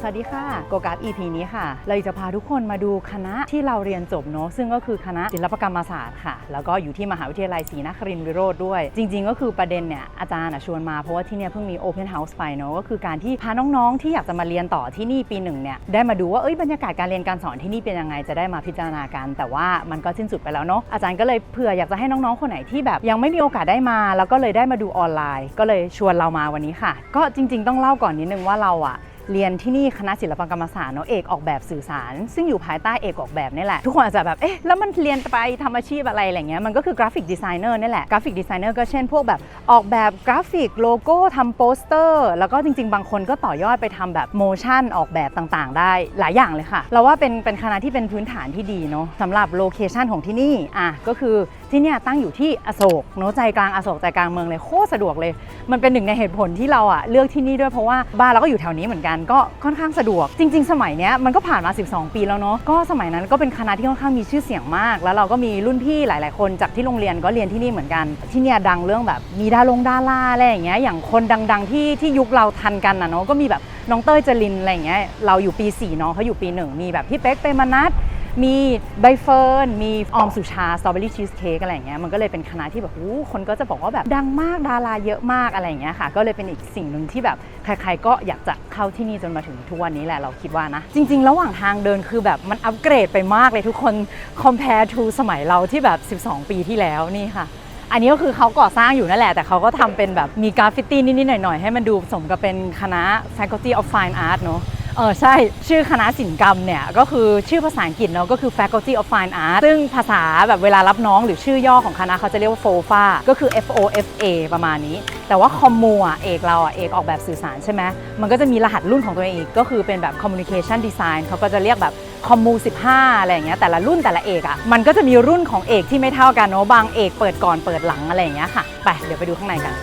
สวัสดีค่ะโกการ์ด EP นี้ค่ะเราจะพาทุกคนมาดูคณะที่เราเรียนจบเนาะซึ่งก็คือคณะศิลปกรรมศาสตร์ค่ะแล้วก็อยู่ที่มหาวิทยาลัยศรีนครินทรวิโรธด้วยจริงๆก็คือประเด็นเนี่ยอาจารย์ชวนมาเพราะว่าที่เนี่ยเพิ่งมี Open House ไปเนาะก็คือการที่พาน้องๆที่อยากจะมาเรียนต่อที่นี่ปีหนึ่งเนี่ยได้มาดูว่าบรรยากาศการเรียนการสอนที่นี่เป็นยังไงจะได้มาพิจารณากันแต่ว่ามันก็สิ้นสุดไปแล้วเนาะอาจารย์ก็เลยเผื่ออยากจะให้น้องๆคนไหนที่แบบยังไม่มีโอกาสได้มาแล้วก็เลยได้มาดูออนไลน์ก็เลยชวนเรามาวันนี้ค่ะก็จริงๆต้องเล่าก่อนนิดนึงว่าเราเรียนที่นี่คณะศิลปกรรมศาสตร์เนาะเอกออกแบบสื่อสารซึ่งอยู่ภายใต้เอกออกแบบนี่แหละทุกคนอาจจะแบบแล้วมันเรียนไปทำอาชีพอะไรเงี้ยมันก็คือกราฟิกดีไซเนอร์นี่แหละกราฟิกดีไซเนอร์ก็เช่นพวกแบบออกแบบกราฟิกโลโก้ทำโปสเตอร์แล้วก็จริงๆบางคนก็ต่อยอดไปทำแบบโมชั่นออกแบบต่างๆได้หลายอย่างเลยค่ะเราว่าเป็นคณะที่เป็นพื้นฐานที่ดีเนาะสำหรับโลเคชันของที่นี่ก็คือที่เนี่ยตั้งอยู่ที่อโศกเนาะใจกลางอโศกใจกลางเมืองเลยโคตรสะดวกเลยมันเป็นหนึ่งในเหตุผลที่เราเลือกที่นี่ด้วยเพราะว่าบ้านเราก็อยู่แถวนี้เหมือนกันก็ค่อนข้างสะดวกจริงๆสมัยนี้มันก็ผ่านมา12 ปีแล้วเนาะก็สมัยนั้นก็เป็นคณะที่ค่อนข้างมีชื่อเสียงมากแล้วเราก็มีรุ่นพี่หลายๆคนจากที่โรงเรียนก็เรียนที่นี่เหมือนกันที่เนี่ยดังเรื่องแบบมีดาราอะไรอย่างเงี้ยอย่างคนดังๆที่ยุคเราทันกันเนาะก็มีแบบน้องเต้ยจรินอะไรอย่างเงี้ยเราอยู่ปี4น้องเขาอยู่ปี1มีแบบพี่เป๊กเปรมนัสมีใบเฟิร์นมีออมสุชาสตรอเบอรี่ชีสเค้กอะไรอย่างเงี้ยมันก็เลยเป็นคณะที่แบบคนก็จะบอกว่าแบบดังมากดาราเยอะมากอะไรอย่างเงี้ยค่ะก็เลยเป็นอีกสิ่งหนึ่งที่แบบใครๆก็อยากจะเข้าที่นี่จนมาถึงทุกวันนี้แหละเราคิดว่านะจริงๆระหว่างทางเดินคือแบบมันอัปเกรดไปมากเลยทุกคน compare to สมัยเราที่แบบ12 ปีที่แล้วนี่ค่ะอันนี้ก็คือเขาก่อสร้างอยู่นั่นแหละแต่เขาก็ทำเป็นแบบมีกราฟฟิตี้นิดๆหน่อยๆให้มันดูสมกับเป็นคณะ Faculty of Fine Art เนอะใช่ชื่อคณะศิลปกรรมเนี่ยก็คือชื่อภาษาอังกฤษเนาะก็คือ Faculty of Fine Art ซึ่งภาษาแบบเวลารับน้องหรือชื่อย่อของคณะเขาจะเรียกว่า FOFA ก็คือ FOFA ประมาณนี้แต่ว่าคอมมูเอกเราเอกออกแบบสื่อสารใช่ไหมมันก็จะมีรหัสรุ่นของตัวเองอีกก็คือเป็นแบบ Communication Design เขาก็จะเรียกแบบคอมมู15อะไรอย่างเงี้ยแต่ละรุ่นแต่ละเอกมันก็จะมีรุ่นของเอกที่ไม่เท่ากันเนาะบางเอกเปิดก่อนเปิดหลังอะไรอย่างเงี้ยค่ะไปเดี๋ยวไปดูข้างในกัน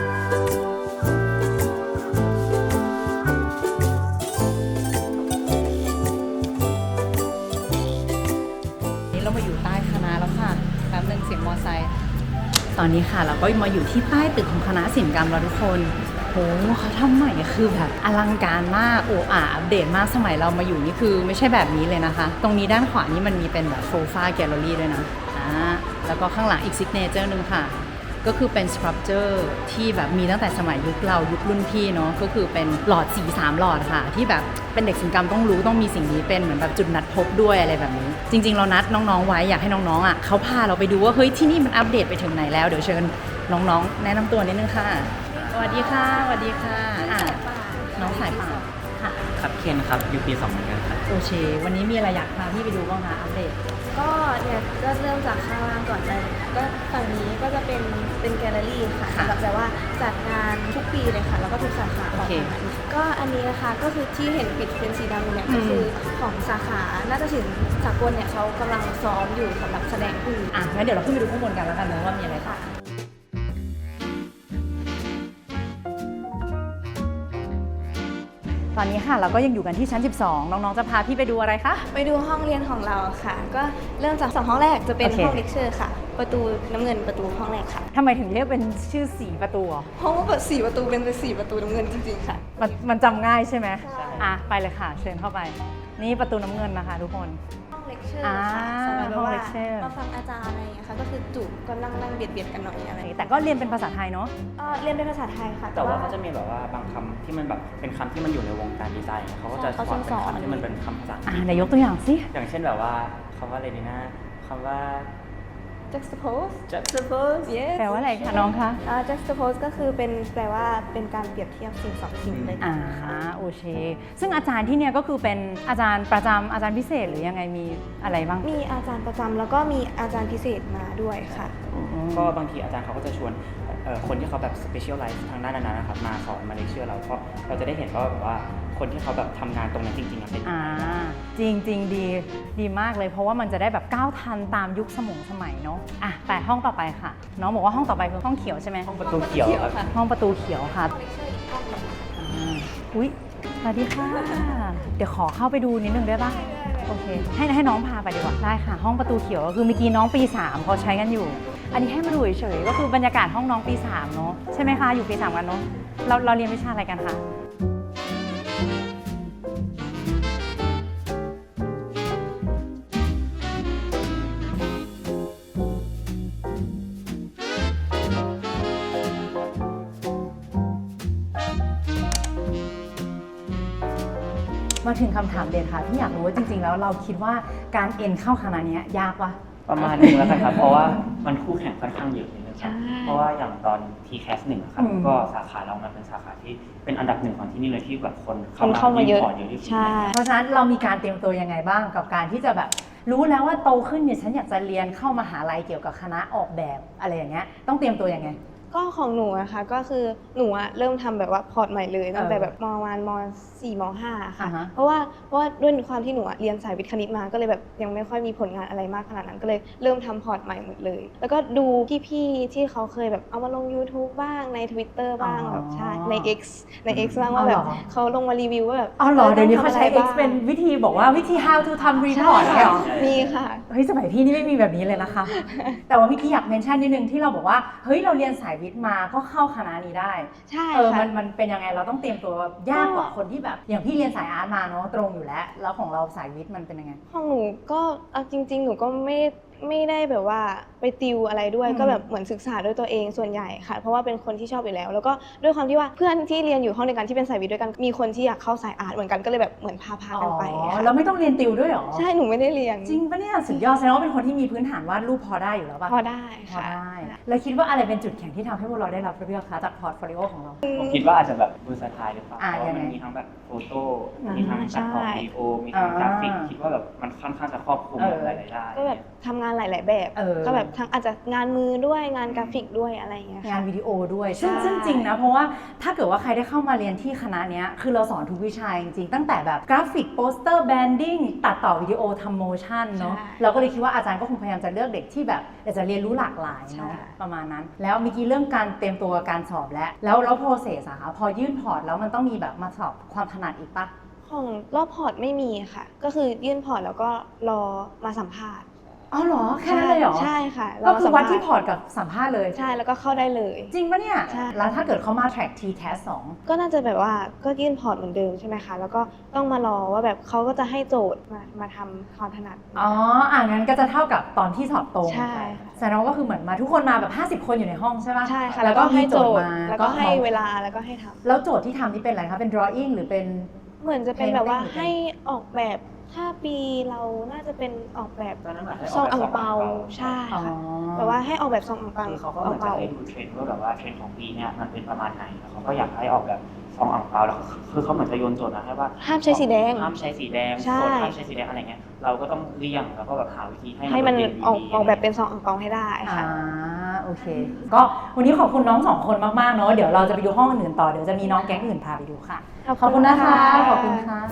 เรามาอยู่ใต้คณะแล้วค่ะแป๊บนึงเสียงมอไซค์ตอนนี้ค่ะเราก็มาอยู่ที่ใต้ตึกของคณะศิลปกรรมแล้วทุกคนโหเขาทำใหม่คือแบบอลังการมากอัปเดตมากสมัยเรามาอยู่นี่คือไม่ใช่แบบนี้เลยนะคะตรงนี้ด้านขวานี่มันมีเป็นแบบโซฟาแกลเลอรี่ด้วยนะแล้วก็ข้างหลังอีกซิกเนเจอร์นึงค่ะก็คือเป็นสครับเจอร์ที่แบบมีตั้งแต่สมัยยุคเรายุครุ่นพี่เนาะก็คือเป็นหลอดสี3หลอดค่ะที่แบบเป็นเด็กศิลปกรรมต้องรู้ต้องมีสิ่งนี้เป็นเหมือนแบบจุดนัดพบด้วยอะไรแบบนี้จริงๆเรานัดน้องๆไว้อยากให้น้องๆเขาพาเราไปดูว่าเฮ้ยที่นี่มันอัปเดตไปถึงไหนแล้วเดี๋ยวเชิญน้องๆแนะนำตัวนิดนึงค่ะสวัสดีค่ะสวัสดีค่ะน้องสายป่านค่ะครับเคนครับอยู่ปี2เหมือนกันครับโอเควันนี้มีอะไรอยากพาพี่ไปดูบ้างคะอัปเดตก็เนี่ยก็เริ่มจากข้างล่างก่อนเลยก็ฝั่งนี้ก็จะเป็นแกลเลอรี่ค่ะสำหรับแบบว่าจัดงานทุกปีเลยค่ะแล้วก็ทุกสาขาของคณะก็อันนี้นะคะก็คือที่เห็นปิดเป็นสีดำเนี่ยก็คือของสาขานาฏศิลป์สากลเนี่ยเขากำลังซ้อมอยู่สำหรับแสดงงั้นเดี๋ยวเราขึ้นไปดูข้างบนกันแล้วกันนะว่ามีอะไรค่ะตอนนี้ค่ะเราก็ยังอยู่กันที่ชั้น12น้องๆจะพาพี่ไปดูอะไรคะไปดูห้องเรียนของเราค่ะก็เริ่มจาก2ห้องแรกจะเป็นห้องเลคเชอร์ค่ะประตูน้ำเงินประตูห้องแรกค่ะทำไมถึงเรียกเป็นชื่อ4ประตูเพราะว่า4ประตูเป็น4ประตูน้ำเงินจริงๆค่ะมันจำง่ายใช่ไหมไปเลยค่ะเชิญเข้าไปนี่ประตูน้ำเงินนะคะทุกคนห้องเลคเชอร์ค่ะสำหรับว่ามาฟังอาจารย์อะไรอย่างเงี้ยค่ะก็คือจุก็นั่งเบียดกันหน่อยอะไรแต่ก็เรียนเป็นภาษาไทยเนาะเรียนเป็นภาษาไทยค่ะแต่ว่าเขาจะมีแบบว่าบางคำที่มันแบบเป็นคำที่มันอยู่ในวงการดีไซน์เขาก็จะสอนเป็นคำที่มันเป็นคำภาษาไหนยกตัวอย่างสิอย่างเช่นแบบว่าคำว่าอะไรดีนะคำว่า juxtapose แปลว่าอะไรคะน้องคะ juxtapose ก็คือเป็นแปลว่าเป็นการเปรียบเทียบสิ่ง2สิ่งเลยโอเคซึ่งอาจารย์ที่เนี่ยก็คือเป็นอาจารย์ประจำอาจารย์พิเศษหรือยังไงมีอะไรบ้างมีอาจารย์ประจำแล้วก็มีอาจารย์พิเศษมาด้วยค่ะก็บางทีอาจารย์เขาก็จะชวนคนที่เขาแบบ specialize ทางด้านนั้นนะครับมาสอนมาเลคเชอร์เราเพราะเราจะได้เห็นว่าแบบว่าคนที่เขาแบบทำงานตรงนั้นจริงๆเป็นจริงดีมากเลยเพราะว่ามันจะได้แบบก้าวทันตามยุคสมัยเนาะแต่ห้องต่อไปค่ะน้องบอกว่าห้องต่อไปคือห้องเขียวใช่ไหมห้องประตูเขียวครับห้องประตูเขียวค่ะอุ๊ยสวัสดีค่ะเดี๋ยวขอเข้าไปดูนิดนึงได้ป่ะโอเคให้น้องพาไปดีกว่าได้ค่ะห้องประตูเขียวก็คือเมื่อกี้น้องปี3เขาใช้กันอยู่อันนี้ให้มาดูเฉยๆก็คือบรรยากาศห้องน้องปี3เนาะใช่ไหมคะอยู่ปี3กันเนาะเราเรียนวิชาอะไรกันคะมาถึงคำถามเด่นค่ะพี่อยากรู้ว่าจริงๆแล้วเราคิดว่าการเอ็นเข้าคณะเนี้ยยากปะประมาณนึงแล้วกันครับ เพราะว่ามันคู่แข่งค่อนข้างเยอะนิดนึงครับใช่เพราะว่าอย่างตอน TCAS 1ครับ ก็สาขาเรามันเป็นสาขาที่เป็นอันดับหนึ่งของที่นี่เลยที่แบบคนคนเข้ามาเยอะพร์ตเยอะที่สุดใช่เพราะฉะนั้นเรามีการเตรียมตัวยังไงบ้างกับการที่จะแบบรู้แล้วว่าโตขึ้นเนี่ยฉันอยากจะเรียนเข้ามหาลัยเกี่ยวกับคณะออกแบบอะไรอย่างเงี้ยต้องเตรียมตัวยังไงก็ของหนูนะคะก็คือหนูอะเริ่มทำแบบว่าพอร์ตใหม่เลยตั้งแต่แบบมประมาณม4ม5ค่ะอ่าฮะเพราะว่าด้วยความที่หนูอะเรียนสายวิทย์คณิตมาก็เลยแบบยังไม่ค่อยมีผลงานอะไรมากขนาดนั้นก็เลยเริ่มทำพอร์ตใหม่หมดเลย แล้วก็ดูพี่ๆที่เขาเคยแบบเอามาลง YouTube บ้างใน Twitter บ้างแบบใช่ใน X บ้างว่าแบบเขาลงมารีวิวว่าแบบอ๋อเหรอเดี๋ยวนี้เขาใช้ต้อง X ทำอะไรบ้างเป็นวิธีบอกว่าวิธี how to ทำ report ใช่เนี่ยเหรอมีค่ะเฮ้ยสมัยพี่นี่ไม่มีแบบนี้เลยนะคะ แต่ว่าเมื่อกี้อยากเมนชั่นนิดนึงที่เราบอกว่าเฮ้ยเราเรียนสายวิทย์มาก็เข้าคณะนี้ได้ใช่ค่ะค่ะมันเป็นยังไงเราต้องเตรียมตัวยากกว่าคนที่แบบอย่างพี่เรียนสายอาร์ตมาเนาะตรงอยู่แล้วของเราสายวิทย์มันเป็นยังไงของหนูก็เอาจริง ๆ หนูก็ไม่ได้แบบว่าไปติวอะไรด้วยอืมก็แบบเหมือนศึกษาด้วยตัวเองส่วนใหญ่ค่ะ เพราะว่าเป็นคนที่ชอบอยู่แล้ว แล้วก็ด้วยความที่ว่าเพื่อนที่เรียนอยู่ห้องเดียวกันที่เป็นสายวิทย์ด้วยกันมีคนที่อยากเข้าสายอาร์ตเหมือนกันก็เลยแบบเหมือนพากันไปอ๋อค่ะแล้วไม่ต้องเรียนติวด้วยเหรอใช่หนูไม่ได้เรียนจริงปะเนี่ยสุดยอดแสดงว่าเป็นคนที่มีพื้นฐานวาดรูปพอได้อยู่แล้วปะพอได้พอค่ะได้แล้วคิดว่าอะไรเป็นจุดแข็งที่ทำให้พวกเราได้รับเลือกคะจากพอร์ตโฟลิโอของเราผมคิดว่าอาจจะแบบเวอร์ซไทล์หรือเปล่าอ่าเพราะว่ามันยังไงมีทั้งแบบโฟโต้มีทั้งตัดต่อใช่วิดีโอมีทั้งกราฟิกอ่าคิดว่าแบบมันค่อนข้างจะครอบคลุมแบบหลายๆด้านก็แบบทำงานหลาย ๆ แบบ ก็แบบทั้งอาจจะงานมือด้วยงานกราฟิกด้วยอะไรอย่างเงี้ยงาค่ะนวิดีโอด้วยใช่ซึ่งจริงนะเพราะว่าถ้าเกิดว่าใครได้เข้ามาเรียนที่คณะเนี้ยคือเราสอนทุกวิชาจริงๆตั้งแต่แบบกราฟิกโปสเตอร์แบนดิ้งตัดต่อวิดีโอทำโมชั่นเนาะเราก็เลยคิดว่าอาจารย์ก็คงพยายามจะเลือกเด็กที่แบบอยากจะเรียนรู้หลากหลายเนาะประมาณนั้น แล้วเมื่อกี้เรื่องการเตรียมตัวการสอบแล้วโปรเซสอะคะพอยื่นพอร์ตแล้วมันต้องมีแบบมาสอบความถนัดอีกปะของรอบพอร์ตไม่มีค่ะ ก็คือยื่นพอร์ตแล้วก็รอมาสัมภาษณ์อ๋อเหรอแค่นั้นเลยเหรอใช่ค่ะก็คือวัดรอมาสัมภาษณ์ที่พอร์ตกับสัมภาษณ์เลยใช่แล้วก็เข้าได้เลยจริงปะเนี่ยใช่แล้วถ้าเกิดเขามา track TCAS 2 ก็น่าจะแบบว่าก็ยื่นพอร์ตเหมือนเดิมใช่ไหมคะ แล้วก็ต้องมารอว่าแบบเขาก็จะให้โจทย์มาทำความถนัดอ๋องั้นก็จะเท่ากับตอนที่สอบตรงใช่แสดงว่าก็คือเหมือนมาทุกคนมาแบบ50 คนอยู่ในห้องใช่ปะใช่ค่ะแล้วก็ให้โจทย์มาแล้วก็ให้เวลาแล้วก็ให้ทำแล้วโจทย์ที่ทำนี่เป็นอะไรคะ เป็น drawing หรือเป็นเหมือนจะเป็นแบบว่า Painting ให้ออกแบบถ้าปีเราน่าจะเป็นออกแบบตอนนั้นเหมือนให้ซองกแบบอ่างเปาซใช่อ๋อค่ะแบบว่าให้ออกแบบซองอ่างเปาคือเขาก็เหมือนจะให้ดูเทรนด์ว่าแบบว่าเทรนด์ของปีเนี้ยมันเป็นประมาณไหนแล้วเขาก็อยากให้ออกแบบซองอ่างเปาแล้วคือเขาเหมือนจะโยนโจทย์มาให้ว่าห้ามใช้สีแดงห้ามใช้สีแดงใช่โซนห้ามใช้สีแดงอะไรเงี้ยเราก็ต้องเลี่ยงแล้วก็แบบหาวิธีให้ให้มันเด่อยู่ออกดีออกแบบเป็นซองอ่างเปาให้ได้ค่ะโอเค ก็วันนี้ขอบคุณน้องสองคนมากๆเนาะ เดี๋ยวเราจะไปดูห้องอื่นต่อ เดี๋ยวจะมีน้องแก๊งอื่นพาไปดูค่ะ ขอบคุณนะคะ ขอบคุณค่ะ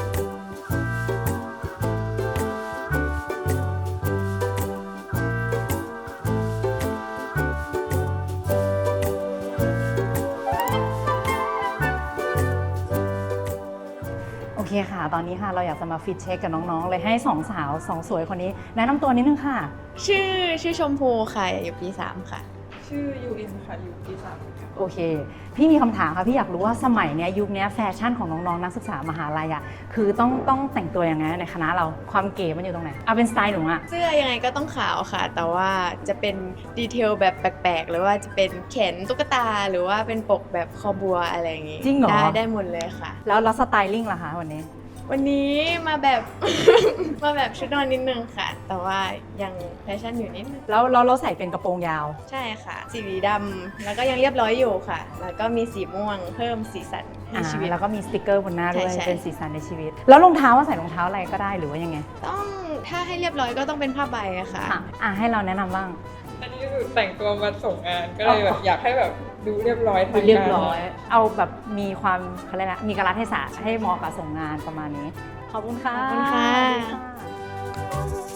โอเคค่ะ ตอนนี้ค่ะเราอยากจะมาฟิตเช็คกับน้องๆ เลยให้สองสาวสองสวยคนนี้แนะนำตัวนิดนึงค่ะชื่อชมพูค่ะ อยู่ปี 3 ค่ะชื่อยูอินค่ะอยู่ปี3ค่ะโอเค พี่มีคำถามค่ะ พี่อยากรู้ว่าสมัยเนี้ยยุคเนี้ยแฟชั่นของน้องๆ นักศึกษามหาลัยอะคือต้องแต่งตัวยังไงในคณะเราความเก๋มันอยู่ตรงไหนเอาเป็นสไตล์หนูอะเสื้อยังไงก็ต้องขาวค่ะ แต่ว่าจะเป็นดีเทลแบบแปลกๆ หรือว่าจะเป็นแขนตุ๊กตา หรือว่าเป็นปกแบบคอบัวอะไรอย่างงี้จริงเหรอได้หมดเลยค่ะแล้วสไตลิ่งล่ะคะวันนี้วันนี้มาแบบ มาแบบชุดนอนนิดนึงค่ะ แต่ว่ายังแฟชั่นอยู่นิดนึงแล้วเราใส่เป็นกระโปรงยาวใช่ค่ะ สีดำแล้วก็ยังเรียบร้อยอยู่ค่ะ แล้วก็มีสีม่วงเพิ่มสีสันให้ชีวิตแล้วก็มีสติกเกอร์บนหน้าด้วยใช่เป็นสีสันในชีวิต แล้วรองเท้าว่าใส่รองเท้าอะไรก็ได้หรือว่ายังไงต้องถ้าให้เรียบร้อยก็ต้องเป็นผ้าใบอะค่ะให้เราแนะนำบ้างอันนี้คือแต่งตัวมาส่งงานก็เลยแบบอยากให้แบบดูเรียบร้อยทางเรียบการร้อย เอาแบบมีความเขาเรียกนะมีกาลเทศะให้เหมาะกับส่งงานประมาณนี้ ขอบคุณค่ะขอบคุณค่ะสวัสดีค่ะ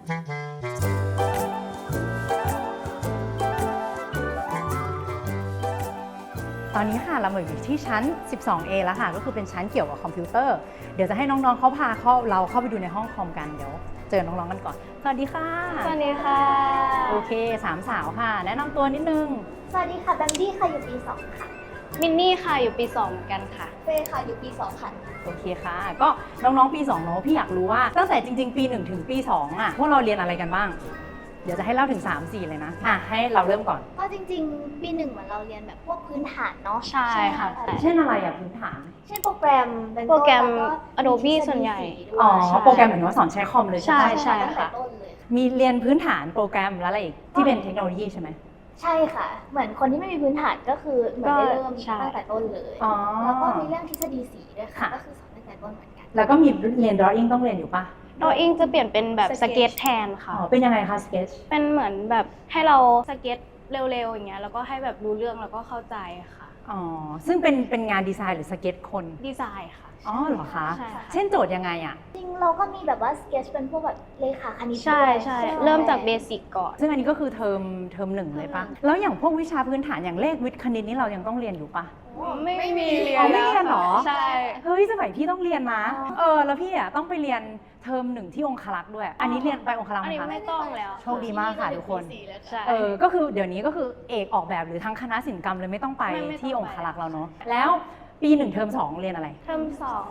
ตอนนี้ค่ะเรามาอยู่ที่ชั้น 12A แล้วค่ะ ก็คือเป็นชั้นเกี่ยวกับคอมพิวเตอร์ เดี๋ยวจะให้น้องๆเขาพาเราเข้าไปดูในห้องคอมกัน เดี๋ยวเจอน้องๆกันก่อน สวัสดีค่ะสวัสดีค่ะโอเคสามสาวค่ะ แนะนำตัวนิดนึงสวัสดีค่ะแบมบี้ค่ะอยู่ปี 2 ค่ะมินนี่ค่ะอยู่ปี 2 เหมือนกันค่ะเฟย์ค่ะอยู่ปี 2 ค่ะโอเคค่ะ ก็น้องๆปี2เนาะพี่อยากรู้ว่าตั้งแต่จริงๆ ปี 1 ถึงปี 2อ่ะพวกเราเรียนอะไรกันบ้างเดี๋ยวจะให้เล่าถึง 3-4 เลยนะให้เราเริ่มก่อนก็จริงๆ ปีหนึ่งเหมือนเราเรียนแบบพวกพื้นฐานเนาะใช่ค่ะเช่นอะไรอ่ะพื้นฐานเช่นโปรแกรมเป็นโปรแกรมแล้ว Adobe ส่วนใหญ่อ๋อใช่โปรแกรมเหมือนว่าสอนใช้คอมเลยใช่ไหมใช่ตั้งแต่ค่ะต้นเลยมีเรียนพื้นฐานโปรแกรมแล้วอะไรอีกที่เป็นเทคโนโลยีใช่ไหมใช่ค่ะ เหมือนคนที่ไม่มีพื้นฐานก็คือเหมือนได้เริ่มใช่ตั้งแต่ต้นเลยอ๋อแล้วก็มีเรื่องทฤษฎีสีด้วยค่ะค่ะก็คือสอนตั้งแต่ต้นเหมือนกันแล้วก็มีเรียน drawing ต้องเรียนอยู่ปะดออิงจะเปลี่ยนเป็นแบบส Sketch เก็ตแทนค่ะอ๋อเป็นยังไงคะ sketch เป็นเหมือนแบบให้เราสเก็ตเร็วๆอย่างเงี้ยแล้วก็ให้แบบรู้เรื่องแล้วก็เข้าใจค่ะอ๋อซึ่งเป็นงานดีไซน์หรือสเก็ตคนดีไซน์ค่ะอ๋อเหรอคะใช่ค่ะเช่นโจทย์ยังไงอ่ะจริงเราก็มีแบบว่าสเก็ตเป็นพวกแบบเลขาคณิตใช่ด้วยใช่ไหเริ่มจากเบสิกก่อนซึ่งอันนี้ก็คือเทอมหนึ่งเลยปะแล้วอย่างพวกวิชาพื้นฐานอย่างเลขวิทย์คณิตนี่เรายังต้องเรียนอยู่ปะไม่มีเรียอ๋นอไม่เรียนเหรอใช่เฮ้ยสมัยพี่ต้องเรียนนะแล้วพี่อ่ะต้องไปเรียนเทอมหนึ่งที่องคลักษ์ด้วย อันนี้เรียนไปองคลักษ์อันไหมนี้คะไม่ต้องแล้วโชคดีมากค่ะทุกคนใช่ก็คือเดี๋ยวนี้ก็คือเอกออกแบบหรือทั้งคณะศิลปกรรมเลยไม่ต้องไปไม่ต้องที่องคไปลักษ์เราเนาะแล้วปี1เทอม2เรียนอะไรเทอม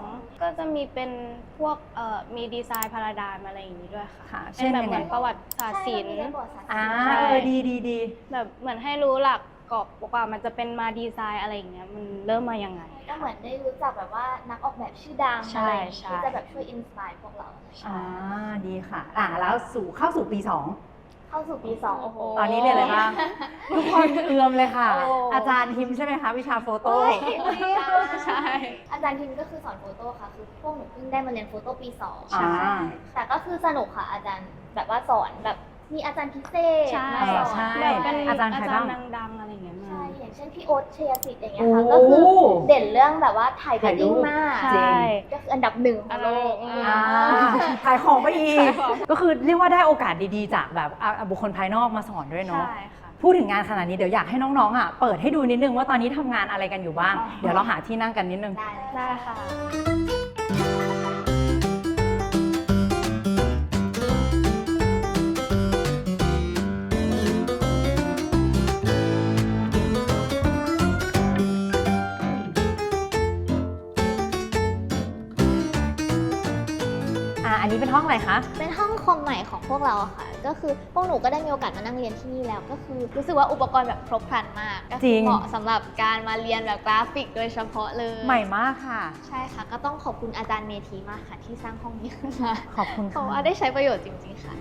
2ก็จะมีเป็นพวกมีดีไซน์พาราไดม์อะไรอย่างนี้ด้วยค่ะค่ะเป็เช่นนแบบยังเหไงมือนประวัติศาสตร์ศิลป์ใช่เรามีเรียนประวัติศาสตร์อ่าใช่ดีแบบเหมือนให้รู้หลักกรอบกว่ามันจะเป็นมาดีไซน์อะไรอย่างเงี้ยมันเริ่มมายังไงก็เหมือนได้รู้จักแบบว่านักออกแบบชื่อดังใช่อะไรอย่างงี้ใช่ที่จะแบบช่วยอินสปายพวกเราดีค่ะแล้วเข้าสู่ปี 2 เข้าสู่ปี2โอ้โหตอนนี้เรียนอะไรบ้าง ทุกคนเอือมเลยค่ะโอ้อาจารย์ทิมใช่ไหมคะวิชาโฟโต้ใช่อาจารย์ทิมก็คือสอนโฟโต้ค่ะ คือพวกหนูเพิ่งได้มาเรียนโฟโต้ปี2 อ่าแต่ก็คือสนุกค่ะอาจารย์แบบว่าสอนแบบมีอาจารย์พิเศษใช่มาสอนใช่แบบเป็นอาจารย์ใครบ้างดังๆอะไรอย่างเงี้ยมาใช่ อย่างเช่นพี่โอ๊ตเชียร์สิทธิ์อย่างเงี้ยโอ้ค่ะ ก็คือเด่นเรื่องแบบว่าถ่ายเวถ่ายดรูดิ้งปมากใช่ก็คืออันดับหนึ่งของโลกขายของไปอีก ก็คือเรียกว่าได้โอกาสดีๆ จากแบบบุคคลภายนอกมาสอนด้วยเนาะใช่ค่ะพูดถึงงานขนาดนี้เดี๋ยวอยากให้น้องๆเปิดให้ดูนิดนึงว่าตอนนี้ทำงานอะไรกันอยู่บ้าง เดี๋ยวเราหาที่นั่งกันนิดนึงได้เลยได้ค่ะอันนี้เป็นห้องอะไรคะเป็นห้องคอมใหม่ของพวกเราอะค่ะ ก็คือพวกหนูก็ได้มีโอกาสมานั่งเรียนที่นี่แล้ว ก็คือรู้สึกว่าอุปกรณ์แบบครบครันมาก ก็จคืริอง เหมาะสำหรับการมาเรียนแบบกราฟิกโดยเฉพาะเลยใหม่มากค่ะใช่ค่ะ ก็ต้องขอบคุณอาจารย์เมธีมากค่ะ ที่สร้างห้องนี้ขึ้นมาขอบคุณเพค่ะราะว่าได้ใช้ประโยชน์จริงๆค่ะ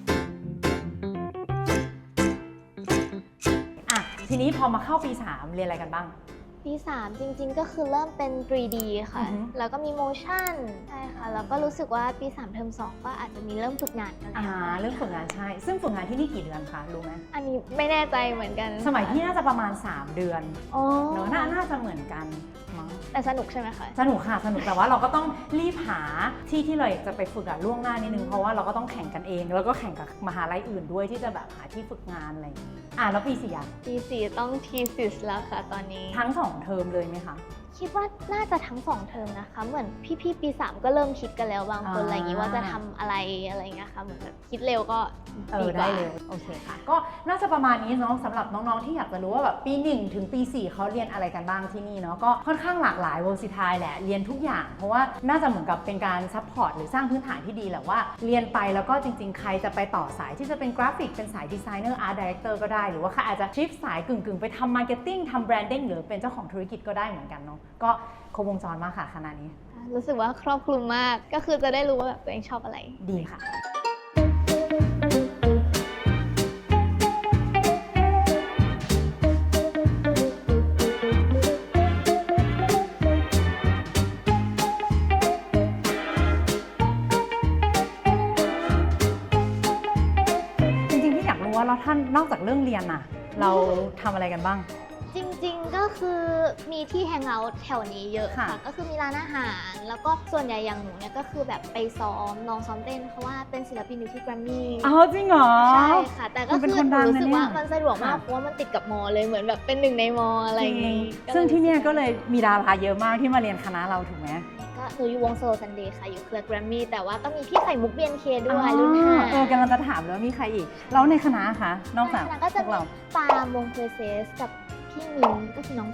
ทีนี้พอมาเข้าปี 3 เรียนอะไรกันบ้างปี 3 จริงๆ ก็คือเริ่มเป็น 3D ค่ะอือฮึแล้วก็มี motion ใช่ค่ะ แล้วก็รู้สึกว่าปี 3 เทอม 2 ก็อาจจะมีเริ่มฝึกงานกันแล้วเรื่องฝึกงานใช่ ซึ่งฝึกงานที่นี่กี่เดือนคะรู้ไหมอันนี้ไม่แน่ใจเหมือนกันสมัยพี่น่าจะประมาณ 3 เดือนอ๋อเนอะน่าจะเหมือนกันมั้งแต่สนุกใช่ไหมคะสนุกค่ะสนุกแต่ว่าเราก็ต้องรีบหาที่เราอยากจะไปฝึกล่วงหน้านิดนึงเพราะว่าเราก็ต้องแข่งกันเอง แล้วก็แข่งกับมหาลัยอื่นด้วยที่จะแบบหาที่ฝึกงานอะไรอย่างงี้แล้วปี4อ่ะปี 4 ต้อง thesis แล้วค่ะตอนนี้ทั้ง2 เทอมเลยไหมคะคิดว่าน่าจะทั้ง 2 เทอมนะคะ เหมือนพี่ๆปี 3 ก็เริ่มคิดกันแล้วบางคนอ่าอะไรอย่างนี้ว่าจะทำอะไรอะไรอย่างเงี้ยค่ะ เหมือนแบบคิดเร็วก็ดีกได้ว่าเลยโอเคค่ะ ก็น่าจะประมาณนี้เนาะสำหรับน้องๆที่อยากจะรู้ว่าแบบปี 1 ถึงปี 4เขาเรียนอะไรกันบ้างที่นี่เนาะก็ค่อนข้างหลากหลาย versatile แหละเรียนทุกอย่าง เพราะว่าน่าจะเหมือนกับเป็นการซัพพอร์ตหรือสร้างพื้นฐานที่ดีแหละว่าเรียนไปแล้วก็จริงๆ ใครจะไปต่อสายที่จะเป็นกราฟิกเป็นสายดีไซเนอร์อาร์ตดีเรคเตอร์ก็ได้หรือว่าใครอาจจะชิฟสายกึ่งๆไปทำมาร์เก็ตติ้งทำแบรนดิ้งหรือเป็นเจ้าของธุรกิจก็ได้เหมือนกันเนาะก็ครบวงจรมากค่ะขนาดนี้รู้สึกว่าครอบคลุมมาก ก็คือจะได้รู้ว่าแบบตัวเองชอบอะไรดีค่ะ จริงๆพี่อยากรู้ว่าแล้วท่านนอกจากเรื่องเรียนน่ะ เราทำอะไรกันบ้างจริงๆ ก็คือมีที่แฮงเอาท์แถวนี้เยอะค่ะค่ะก็คือมีร้านอาหาร แล้วก็ส่วนใหญ่อย่างหนูเนี่ยก็คือแบบไปซ้อมลองซ้อมเต้นเพราะว่าเป็นศิลปินอยู่ที่แกรมมี่จริงเหรอใช่ค่ะ แต่ก็มันเป็คืนอคนหดันูงรู้สึกนะเนี่ยว่ามันสะดวกมากค่ะเพราะว่ามันติดกับมอเลยเหมือนแบบเป็นหนึ่งในมออะไรอย่างงี้ซึ่งที่เนี่ยก็เลยมีดาราเยอะมากที่มาเรียนคณะเราถูกไหมก็หนูอยู่วงโซลซันเดย์ค่ะ อยู่เครือแกรมมี่แต่ว่าก็มีพี่ไข่มุกเบียนเคด้วยรุ่น5 กำลังจะถามแล้วมีใครอีก แล้วในคณะคะนอกจากก็พจะวกมีเราปาล์มวงเพอร์เซสกับพี่มินก็คือน้องผิดน่า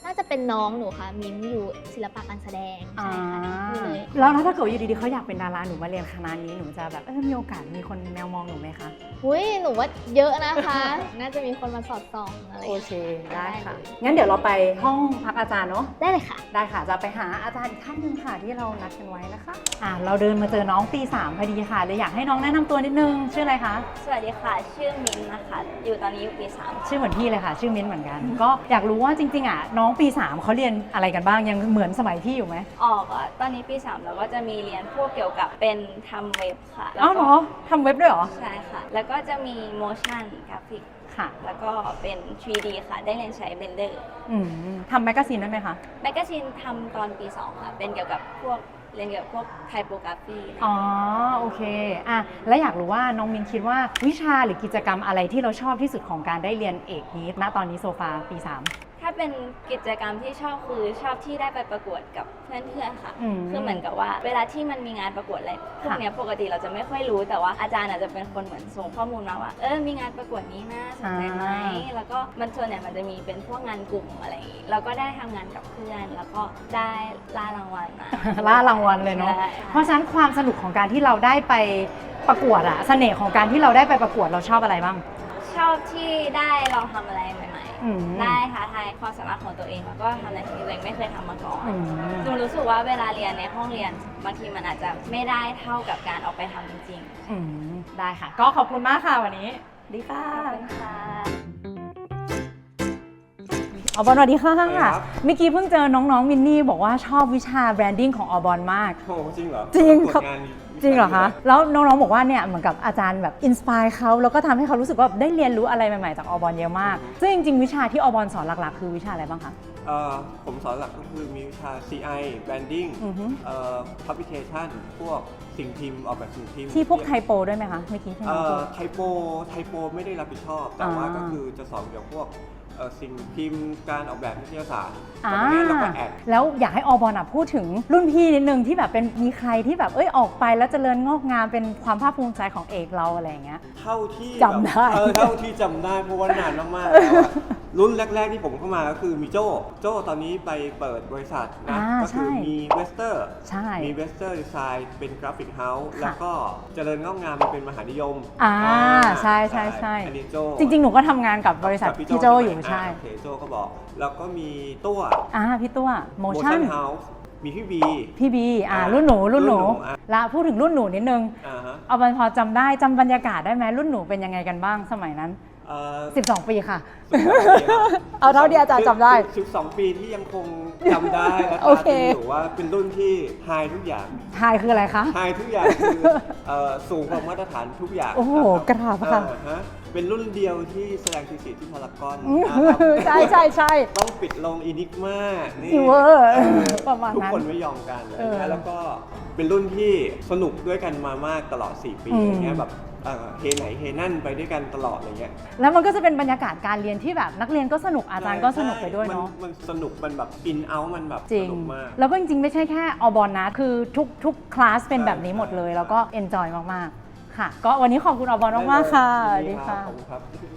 น่าจะเป็นน้องหนูค่ะมิมอยู่ศิลปะการแสดงใช่ค่ะนี่เลยแล้วถ้าเกิดอยู่ดีๆเขาอยากเป็นดาราหนูมาเรียนคณะนี้หนูจะแบบมีโอกาสมีคนแมวมองหนูไหมคะอุ้ยหนูว่าเยอะนะคะ น่าจะมีคนมาสอดส่องอะไรโอเคได้ค่ะงั้นเดี๋ยวเราไปห้องพักอาจารย์เนาะได้เลยค่ะได้ค่ะจะไปหาอาจารย์อีกท่านหนึ่งค่ะที่เรานัดกันไว้นะคะเราเดินมาเจอน้องปี3พอดีค่ะเลยอยากให้น้องแนะนำตัวนิดนึงชื่ออะไรคะสวัสดีค่ะ ชื่อมิ้นท์นะคะ อยู่ตอนนี้อยู่ปีชื่อเหมือนพี่เลยค่ะ ชื่อมิ้นท์เหมือนกัน ก็อยากรู้ว่าจริงๆน้องปี3เขาเรียนอะไรกันบ้างยังเหมือนสมัยพี่อยู่ไหม 3 ออกอ่ะตอนนี้ปี 3 แล้วก็จะมีเรียนพวกเกี่ยวกับเป็นทำเว็บค่ะแล้วอ้าวเหรอทำเว็บด้วยเหรอใช่ค่ะ แล้วก็จะมี motion graphic ค่ะแล้วก็เป็น 3D ค่ะ ได้เรียนใช้ Blender ทำแมกกาซีนได้ไหมคะแมกกาซีนทำตอนปี 2 ค่ะ เป็นเกี่ยวกับพวกเรียนเกี่ยวกับพวกไทโปกราฟีอ๋อโอเคแล้วอยากรู้ว่าน้องมินคิดว่าวิชาหรือกิจกรรมอะไรที่เราชอบที่สุดของการได้เรียนเอกนี้ณตอนนี้โซฟาปี 3 ถ้าเป็นกิจกรรมที่ชอบคือชอบที่ได้ไปประกวดกับเพื่อนๆค่ะ คือเหมือนกับว่าเวลาที่มันมีงานประกวดอะไรพวกเนี้ยปกติเราจะไม่ค่อยรู้แต่ว่าอาจารย์อาจจะเป็นคนเหมือนส่งข้อมูลมาว่ามีงานประกวดนี้นะสนใจไหมแล้วก็มันส่วนใหญ่มันจะมีเป็นพวกงานกลุ่มอะไรอย่างงี้เราก็ได้ทำงานกับเพื่อนแล้วก็ได้ล่ารางวัลมาล่ารางวัลเลยเนาะใช่เพราะฉะนั้นความสนุกของการที่เราได้ไปประกวดเสน่ห์ของการที่เราได้ไปประกวดเราชอบอะไรบ้างชอบที่ได้ลองทำอะไรใหม่อืมๆได้ท้าทายความสามารถของตัวเองแล้วก็ทำในสิ่งที่ตัวเองไม่เคยทำมาก่อนอืมหนูรู้สึกว่าเวลาเรียนในห้องเรียนบางทีมันอาจจะไม่ได้เท่ากับการออกไปทำจริงๆได้ค่ะ ก็ขอบคุณมากค่ะวันนี้ดีค่ะขอบคุณค่ะอบอลสวัสดีค่ะสวัสดีครับเมื่อกี้เพิ่งเจอน้องๆมินนี่บอกว่าชอบวิชาแบรนดิ้งของอบอลมากโอ้จริงเหรอจริงตวครับงานจริงเหรอคะ แล้วน้องๆบอกว่าเนี่ยเหมือนกับอาจารย์แบบอินสปายเขาแล้วก็ทำให้เขารู้สึกว่าได้เรียนรู้อะไรใหม่ๆจากอบอลเยอะมาก ซึ่งจริงๆวิชาที่อบอลสอนหลักๆ คือวิชาอะไรบ้างคะผมสอนหลักก็คือมีวิชา CI Branding อือฮึ Publication พวกสิ่งพิมพ์ออกแบบสิ่งพิมพ์ที่พวกไทโปด้วยไหมคะเมื่อกี้ที่น้องพูดไทโปไม่ได้รับผิดชอบ แต่ว่าก็คือจะสอนเกี่ยวกับพวกสิ่งพิมพ์การออกแบบนิตยสารแต่ตอนนี้เราก็แอดแล้วอยากให้อบอลพูดถึงรุ่นพี่นิดนึงที่แบบเป็นมีใครที่แบบออกไปแล้วเจริญงอกงามเป็นความภาคภูมิใจของเอกเราอะไรอย่างเงี้ยเท่าที่จำได้เท่าที่จำได้เพราะว่านานมากๆแล้วอะรุ่นแรก ๆที่ผมเข้ามาก็คือมีโจ้ตอนนี้ไปเปิดบริษัทนะก็คือมีเวสเตอร์ใช่มีเวสเตอร์ดีไซน์เป็นกราฟิกเฮาส์ค่ะแล้วก็เจริญงอกงามมาเป็นมหานิยมใช่อันนี้โจจริงๆ หนูก็ทำงานกับบริษัทพี่โจอยู่ใช่โอเคโจก็บอก แล้วก็มีตัวพี่ตัวโมชั่นเฮาส์มีพี่บีพี่บีรุ่นหนูแล้วพูดถึงรุ่นหนูนิดนึงฮะเอาพอจำได้จำบรรยากาศได้ไหมรุ่นหนูเป็นยังไงกันบ้างสมัยนั้น 12 ปีค่ะ เอาเท่าที่อาจารย์จำได้ 12 ปีที่ยังคงจำได้และโอเคตราตรึงอยู่ว่าเป็นรุ่นที่ไฮทุกอย่างไฮคืออะไรคะไฮทุกอย่างคือสูงกว่ามาตรฐานทุกอย่างโอ้โหนะคกราบค่ะฮะเป็นรุ่นเดียวที่แสดงทีสิทธิ์ที่พารากอนใช่ต้องปิดลงอินิกมานี่อีเวอร์ประมาณนั้นทุกคนไม่ยอมกันอะไรอย่างเงี้เอย อแล้วก็เป็นรุ่นที่สนุกด้วยกันมามากตลอด 4 ปีอืมอย่างเงี้ยแบบเฮไหนเฮนั่นไปด้วยกันตลอดอะไรเงี้ยแล้วมันก็จะเป็นบรรยากาศการเรียนที่แบบนักเรียนก็สนุกอาจารย์ก็สนุกไปด้วยเนาะมันสนุกมันแบบอินเอาท์มันแบบจริสงนุกมากแล้วก็จริงๆ ไม่ใช่แค่อบอลนะ คือทุกคลาสเป็นแบบนี้หมดเลย แล้วก็เอนจอยมากๆ ค่ะ ก็วันนี้ขอบคุณอบอลมากๆ ค่ะสวัสดีค่ะขอบคุณครับ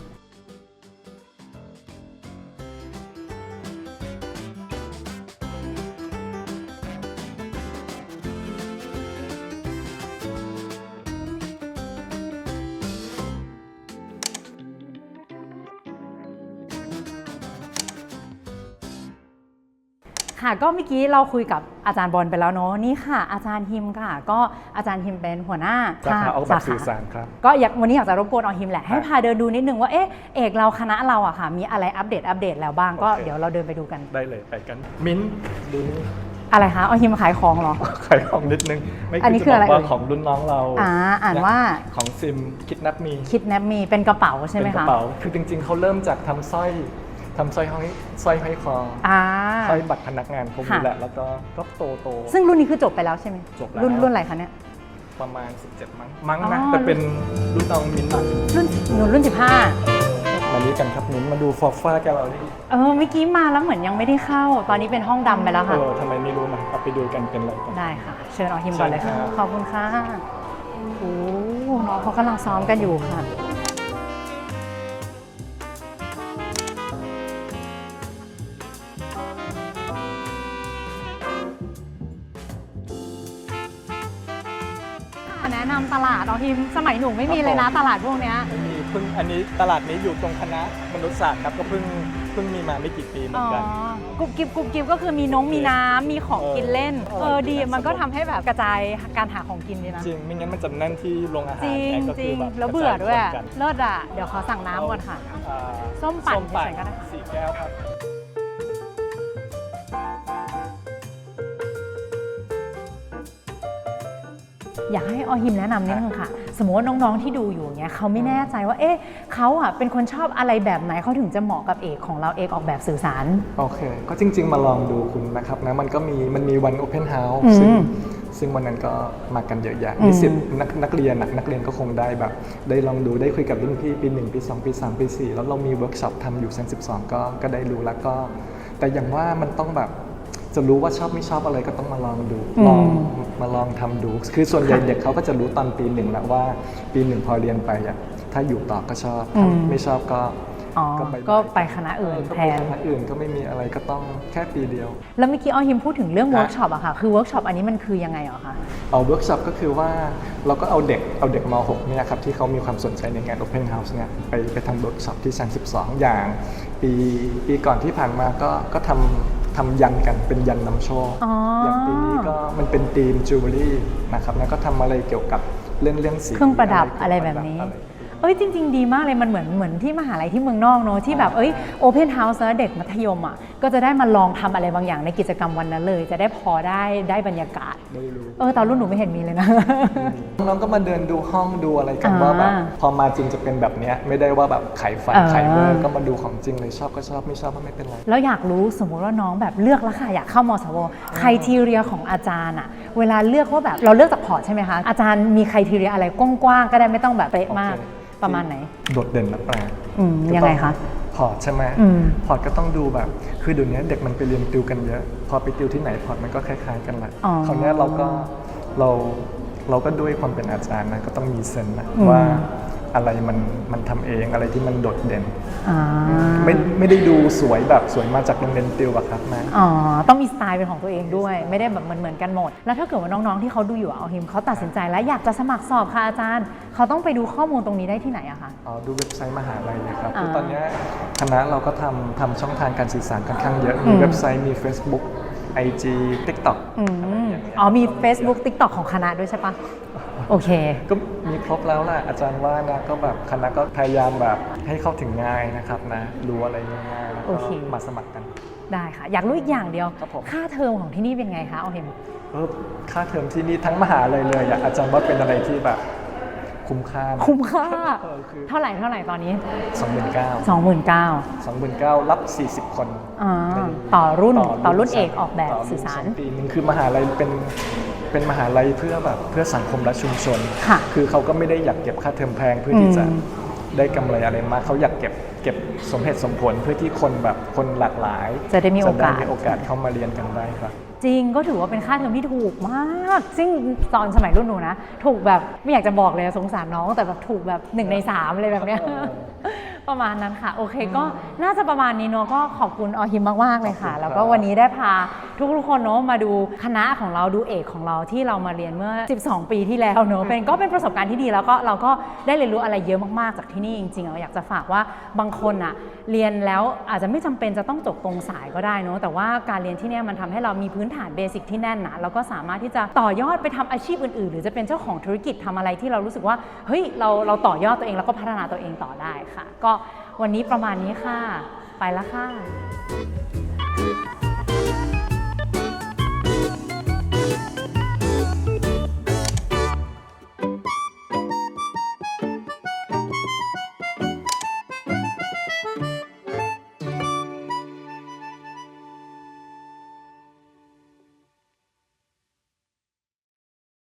ค่ะก็เมื่อกี้เราคุยกับอาจารย์บอลไปแล้วเนาะนี่ค่ะ อาจารย์ฮิมค่ะ ก็อาจารย์ฮิมเป็นหัวหน้าสาขาออกแบบสื่อสารครับก็วันนี้อยากจะรบกวนเอาฮิมแหละให้พาเดินดูนิดนึงว่าเอกเราคณะเราอะค่ะมีอะไรอัปเดตแล้วบ้างก็โอเคเดี๋ยวเราเดินไปดูกันได้เลยไปกัน มิ้นท์ดูนี่อะไรคะเอาฮิมขายของเหรอขายของนิดนึง ไม่อันนี้จะคืออะไรบกว่าเอ่ยของรุ่นน้องเราอ่านว่าของซิมคิดนับมีคิดแนบมีเป็นกระเป๋าใช่ไหมเป็นกคะระเป๋าคือจริงๆเขาเริ่มจากทำสร้อยห้อยคออ่าสร้อยบัตรพนักงานพวกนี้ค่ะแหละแล้วก็โตซึ่งรุ่นนี้คือจบไปแล้วใช่ไหมจบแล้วรุ่นอะไรคะเนี่ยประมาณ 17 มั้งอ๋อนะแต่เป็นรุ่นน้องมิ้นท์อะรุ่นมานี้กันครับมิ้นท์มาดูฟอร์ฟ้าแกลเลอรี่ 15เมื่อกี้มาแล้วเหมือนยังไม่ได้เข้า ตอนนี้เป็นห้องดำไปแล้วค่ะทำไมไม่รู้นะเอาไปดูกันเป็นอะไรกันได้ค่ะ เชิญเอาฮิมก่อนเลยค่ะเชิญครับขอบคุณค่ะโอ้น้องเขากำลังซ้อมกันอยู่ค่ะอฮิมสมัยหนูไม่มีเลยนะตลาดพวกเนี้ยไม่มีเพิ่งอันนี้ตลาดนี้อยู่ตรงคณะมนุษยศาสตร์ครับก็เพิ่งมีมาไม่กี่ปีเหมือนกันกุบกิบก็คือมีมีน้ำมีของกินเล่นดีมันก็ทำให้แบบกระจายการหาของกินดีนะจริงไม่งั้นมันจะแน่นที่โรงอาหารจริงไงก็จคืริอง แบบแล้วเบื่อด้วยกระจาคนกันเลิศอ่ะเดี๋ยวขอสั่งน้ำก่อนค่ะอ่าส้มปั่นส้มปั่นเฉยๆก็ได้ 4 แก้วครับอยากให้อหิมแนะนำนิดนึงค่ะ สมมติว่าน้องๆที่ดูอยู่เนี้ยเขาไม่แน่ใจว่าเอ๊ะเขาอ่ะเป็นคนชอบอะไรแบบไหนเขาถึงจะเหมาะกับเอกของเราเอกออกแบบสื่อสารโอเคก็จริง ๆ มาลองดูคุณนะครับนะมันก็มีวัน Open House อืมซึ่งวันนั้นก็มากันเยอะแยะนิสิตนักเรียนนักเรียนก็คงได้แบบได้ลองดูได้คุยกับรุ่นพี่ปี 1 ปี 2 ปี 3 ปี 4 แล้วเรามีเวิร์กช็อปทำอยู่เซน12ก็ได้รู้แล้วก็แต่อย่างว่ามันต้องแบบจะรู้ว่าชอบไม่ชอบอะไรก็ต้องมาลองดูมาลองทำดูคือส่วนใหญ่เด็กเขาก็จะรู้ตอนปี 1แล้วว่าปี 1พอเรียนไปอ่ะถ้าอยู่ต่อก็ชอบไม่ชอบก็ไปคณะอื่นแทนคณะอื่นก็ไม่มีอะไรก็ต้องแค่ปีเดียวแล้วเมื่อกี้อหิมพูดถึงเรื่องเวิร์กช็อปอะค่ะคือเวิร์กช็อปอันนี้มันคือยังไงเหรอคะเวิร์กช็อปก็คือว่าเราก็เอาเด็กม.6 เนี่ยครับที่เขามีความสนใจในงาน Open House เนี่ยไปทำเวิร์กช็อปที่ชั้น12อย่างปีก่อนที่ผ่านมาก็ทำยันกันเป็นยันนำโชคอย่างปีนี้ก็มันเป็นธีมจิวเวลรี่นะครับแล้วก็ทำอะไรเกี่ยวกับเรื่องสีเครื่องประดับอะไรแบบนี้จริงๆดีมากเลยมันเหมือนที่มหาลัยที่เมืองนอกเนอะที่แบบโอเพนเฮาส์แล้วเด็กมัธยมอ่ะก็จะได้มาลองทำอะไรบางอย่างในกิจกรรมวันนั้นเลยจะได้พอได้บรรยากาศตอนรุ่นหนูไม่เห็นมีเลยนะน้องก็มาเดินดูห้องดูอะไรกันว่าแบบพอมาจริงจะเป็นแบบนี้ไม่ได้ว่าแบบขายฝันขายเบอร์ก็มาดูของจริงเลยชอบก็ชอบไม่ชอบก็ไม่เป็นไรแล้วอยากรู้สมมุติว่าน้องแบบเลือกแล้วค่ะอยากเข้ามสวไครทีเรียของอาจารย์อ่ะเวลาเลือกว่าแบบเราเลือกจากพอร์ตใช่ไหมคะอาจารย์มีไครทีเรียอะไรกว้างๆก็ได้ไม่ต้องแบบเป๊ะมากประมาณไหนโดดเด่นและแปลกยังไงคะพอร์ตใช่ไหมพอร์ตก็ต้องดูแบบคือเดี๋ยวนี้เด็กมันไปเรียนติวกันเยอะพอไปติวที่ไหนพอร์ตมันก็คล้ายๆกันแหละคราวนี้เราก็ด้วยความเป็นอาจารย์นะก็ต้องมีเซนส์นะว่าอะไรมันทำเองอะไรที่มันโดดเด่นไม่ได้ดูสวยแบบสวยมาจากโรงเรียนติวอะครับนะต้องมีสไตล์เป็นของตัวเองด้วยไม่ได้แบบเหมือนกันหมดแล้วถ้าเกิดว่าน้องๆที่เขาดูอยู่เอาหิมเขาตัดสินใจแล้วอยากจะสมัครสอบค่ะอาจารย์เขาต้องไปดูข้อมูลตรงนี้ได้ที่ไหนอะคะดูเว็บไซต์มหาลัยนะครับคือตอนนี้คณะเราก็ทำช่องทางการสื่อสารค่อนข้างเยอะมีเว็บไซต์มี Facebook IG TikTok มี Facebook TikTok ของคณะด้วยใช่ปะโอเคก็มีครบแล้วแหละอาจารย์ว่านะก็แบบคณะก็พยายามแบบให้เข้าถึงง่ายนะครับนะรู้อะไรง่ายๆแล้วก็มาสมัครกันได้ค่ะอยากรู้อีกอย่างเดียวค่าเทอมของที่นี่เป็นไงคะเอาเห็นค่าเทอมที่นี่ทั้งมหาลัยเลยอาจารย์ว่าเป็นอะไรที่แบบคุ้มค่าเท่าไหร่ตอนนี้ 29,000 รับ40 คนต่อรุ่นเอกออกแบบสื่อสารปีนึงคือมหาลัยเป็นมหาลัยเพื่อสังคมและชุมชนคือเขาก็ไม่ได้อยากเก็บค่าเทอมแพงเพื่อที่จะได้กำไรอะไรมากเขาอยากเก็บสมเหตุสมผลเพื่อที่คนหลากหลายจะได้มีโอกาสเข้ามาเรียนกันได้ครับจริงก็ถือว่าเป็นค่าเทอมที่ถูกมากซึ่งตอนสมัยรุ่นหนูนะถูกแบบไม่อยากจะบอกเลยสงสารน้องแต่แบบถูกแบบ1 ใน 3เลยแบบเนี้ยประมาณนั้นค่ะโอเคก็น่าจะประมาณนี้เนาะก็ขอบคุณอหิมมากๆเลยค่ะแล้วก็วันนี้ได้พาทุกคนเนาะมาดูคณะของเราดูเอกของเราที่เรามาเรียนเมื่อ12 ปีที่แล้วเนาะก็เป็นประสบการณ์ที่ดีแล้วก็เราก็ได้เรียนรู้อะไรเยอะมากๆจากที่นี่จริงๆเราอยากจะฝากว่าบางคนอะเรียนแล้วอาจจะไม่จำเป็นจะต้องจบตรงสายก็ได้เนาะแต่ว่าการเรียนที่นี่มันทำให้เรามีพื้นฐานเบสิกที่แน่นนะแล้วก็สามารถที่จะต่อยอดไปทำอาชีพอื่นๆหรือจะเป็นเจ้าของธุรกิจทำอะไรที่เรารู้สึกว่าเฮ้ยเราต่อยอดตัวเองแล้วก็พัฒนาตัวเองต่อได้ค่ะก็วันนี้ประมาณนี้ค่ะไปแล้วค่ะ